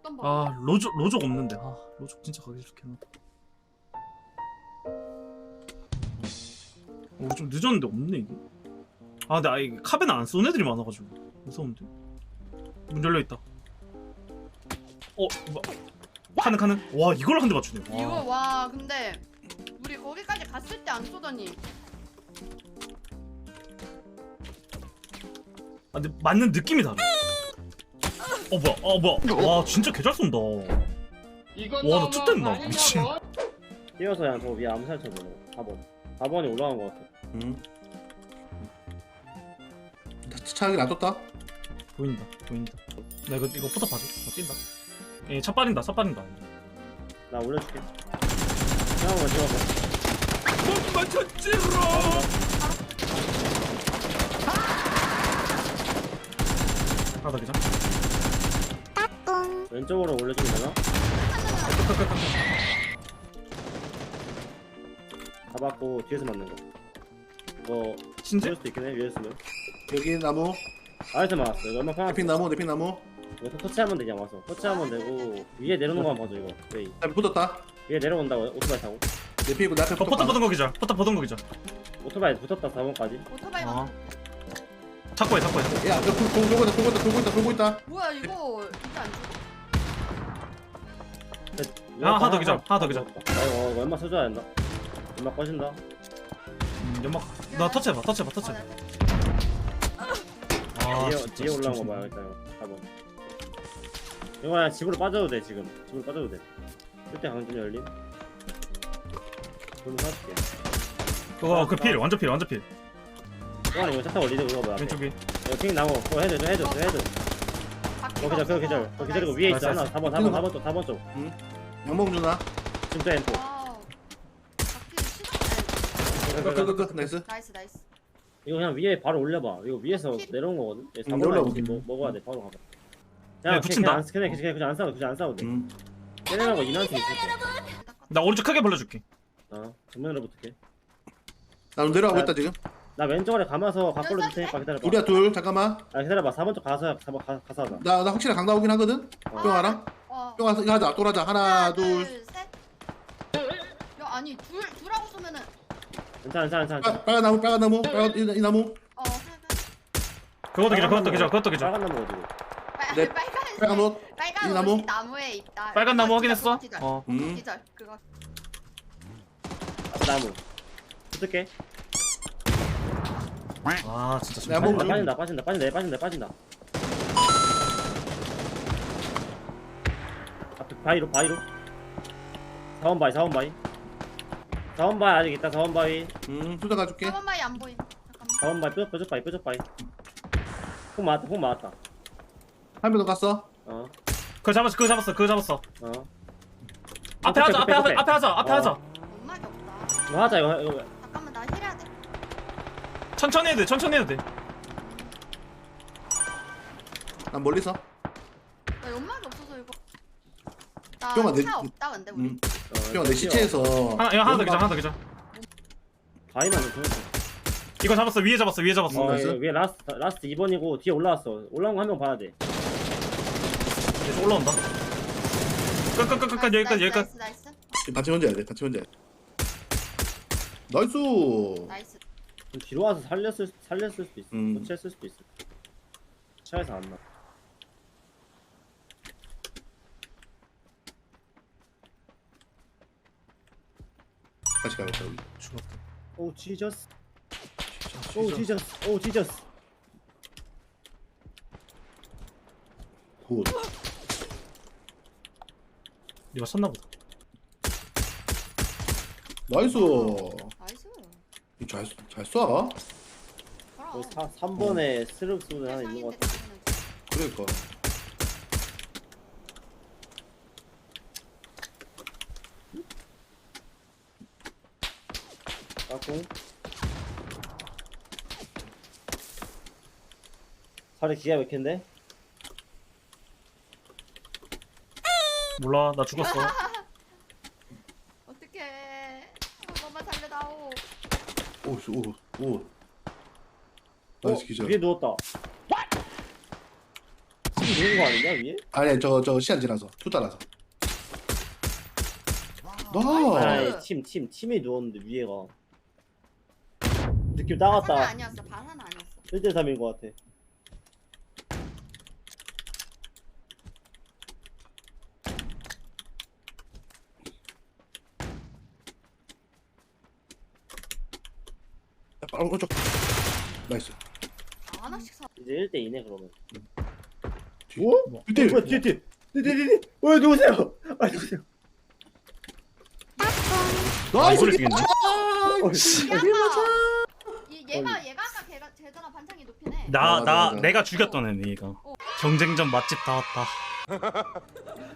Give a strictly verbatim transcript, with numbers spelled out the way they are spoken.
어떤 법? 아 로족 로족 없는데. 아 로족 진짜 가기 싫겠나. 어, 좀 늦었는데 없네 이게. 아 근데 아 이게 카베는 안 쏘는 애들이 많아가지고 무서운데. 문 열려 있다. 어 뭐, 카는 카는. 와 이걸 한 대 맞추네. 와. 이거 와 근데 우리 거기까지 갔을 때 안 쏘더니. 아 근데 맞는 느낌이 다르. 어 뭐야? 어 뭐야? 와 진짜 개잘 쏜다. 와 나 툭됐나 미친. 뛰어서 그냥 저 위에 암살 쳐보네. 사 번. 사 번이 올라간 것 같아. 응. 차하게 놔뒀다. 보인다 보인다. 나 이거 이거 포탑 봐줘. 어 뛴다. 예차 빠진다 차 빠진다. 나 올려줄게. 형한번 찍어봐. 못 맞췄지롱. 하다 그냥. 왼쪽으로 올려주면 되나? 잡았고 뒤에서 맞는 거. 이거 진짜? 쏠 수도 있긴 해. 위에서 쓰면. 여기 나무, 아래서 맞았어. 이거 얼마 편하게. 내핀 나무, 내핀 나무. 이거 터치하면 되냐 와서. 터치하면 되고 위에 내려오는 거만 봐줘 이거. 웨이. 나 붙었다. 위에 내려온다고 오토바이 타고. 내핀이고 내 앞에 어 포탑 붙었다. 보던 거 기절. 포탑 보던 거 기절. 오토바이 붙었다 사 번까지. 오토바이 어. 어. 찾고 해 찾고 해. 야, 너 돌- 돌- 돌고 있다, 돌고 있다, 돌고 있다, 돌고 있다. 뭐야 이거 이게 안 죽어? 아, 하나 더 기절, 하나 더 기절. 나 이거 이거 얼마 써줘야 된다. 얼마 꺼진다. 음, 연막. 나 터치해봐 터치해봐 터치해봐. 아 뒤에, 진짜 뒤에 올라온 거 진짜. 봐요 일단 사 번. 이거 그냥 집으로 빠져도 돼 지금. 집으로 빠져도 돼. 그때 강진 열림. 그럼 사줄게. 그거 그 필 완전 필 완전 필. 동환이 이거 차타 올리자 이거 뭐야. 왼쪽에. 이거 핑 나무. 그거 해줘 해줘 해줘 해줘. 그거 기절 그거 기절. 그거 기절이고 위에 있어 하나. 사 번 사 번 사 번 쪽 사 번 쪽. 양봉 주나? 지금 또 엠포. 와우. 바퀴를 시작. 끝, 끝, 끝, 끝. 나이스. 나이스 나이스. 이거 그냥 위에 바로 올려봐. 이거 위에서 내려온 거거든. 응, 사 번 올라오게. 뭐 먹어야 돼. 바로 가봐. 네, 그냥 붙인다. 그냥 안 그냥 그냥 그냥 안 싸워. 그냥 안 싸워 돼. 응. 깨내라고 인한테 있을 때. 나 오른쪽 크게 벌려줄게. 어. 정면으로 붙을게. 나는 내려가고 있다 지금. 나 왼쪽으로 감아서 가꼴로 줄 테니까 기다려봐. 우리야 둘, 잠깐만. 아 기다려봐. 사 번 쪽 가서 사 번 가, 가서 하자. 나, 나 확실히 강 나오긴 하거든. 어. 뿅아랑. 어. 뿅아, 이거 하자. 또 하자. 하나, 둘. 셋. 야 아니 둘 둘하고 쏘면은 괜찮아 괜찮아 괜찮아. 빨- 빨간 나무, 빨간 나무, 빨간 이, 이 나무. 어 빨간 그것도 기절 그것도 기절 그것도 기절. 빨간 나무 어디고? 네, 빨간 빨간 옷. 빨간 이 나무? 옷이 나무에 있다. 빨간 나무 그거 확인했어? 기절, 어. 음. 기절 그거. 나무. 붙을게. 아 진짜 내 한번 좀. 빠진다 빠진다 빠진다 빠진다 빠진다. 앞에 바위로 바위로. 사 번 바위 사 번 바위. 사 번 바위 아직 있다 사 번 바위. 음, 수자 가줄게. 한 번만이 안 보임. 잠깐만. 사 번 바위 뾰족 뾰족 바위 뾰족 바위. 폭 맞았다 폭 맞았다. 한 명 더 갔어. 어 그거 잡았어 그거 잡았어 그거 잡았어. 어. 앞에 하자 앞에 하자 앞에 하자 앞에 어. 하자. 엄마게 없다. 이거 하자 이거 이거. 잠깐만 나 힐해야 돼. 천천히 해도 돼 천천히 해도 돼. 난 멀리서. 나 연막이 없어서 이거. 나 형아, 내- 차 없다 근데 우리. 음. 어, 뿅아 내 시체에서. 하나 이거 하나 더 기절 하나 더 기절. 바위만 좀 보냈어. 이거 잡았어 위에 잡았어 위에 잡았어. 어, 나이스. 이거 위에 라스트 라스트 이 번이고 뒤에 올라왔어. 올라온 거 한 명 봐야 돼. 계속 올라온다. 끝끝끝끝 여기까지 여기까지. 나이스 나이스 같이 혼자 해야 돼. 같이 혼자 해. 나이스. 나이스. 좀 뒤로 와서 살렸을 살렸을 수도 있어. 음. 교체했을 수도 있어. 차에서 안 나. 다시 가야겠다 우리. 죽었다. 오 지저스. 오 지저스. 오 지저스. 굿. 이거 쳤나 보다. 나이스. 나이스. 잘, 잘 쏴. 그 그럼. 삼 번에 스르륵 소리 하나 있는 것 같아. 그러니까. 까꿍. 살이 기가 막힌데? 몰라 나 죽었어. 어떡해. 너만 살려다오. 오, 씨, 오, 오. 어, 나이스 기절. 위에 누웠다. 팀 누운 거 아니냐 위에? 아니 저 저 시간 지나서 투 따라서. 나. 아이 팀 팀 팀이 누웠는데 위에가 느낌 바사는 따갔다. 아니었어. 바사는 아니었어. 일 대 삼인 거 같아. 아, 오른쪽. 나이스. 아, 하나씩 사. 이제 일 대 이네 그러면. 뒤. 오? 이때 어, 뭐야 뒤에 뒤에 뒤에 뒤에 뒤에. 왜 누구세요? 아 누구세요? 아, 나이스. 이걸 죽였네. 어, 이 얘가 얘가 아까 걔가 제더랑 반창이 높이네. 나, 맞아, 나, 맞아. 내가 죽였던 애네, 얘가. 어. 경쟁전 맛집 다 왔다.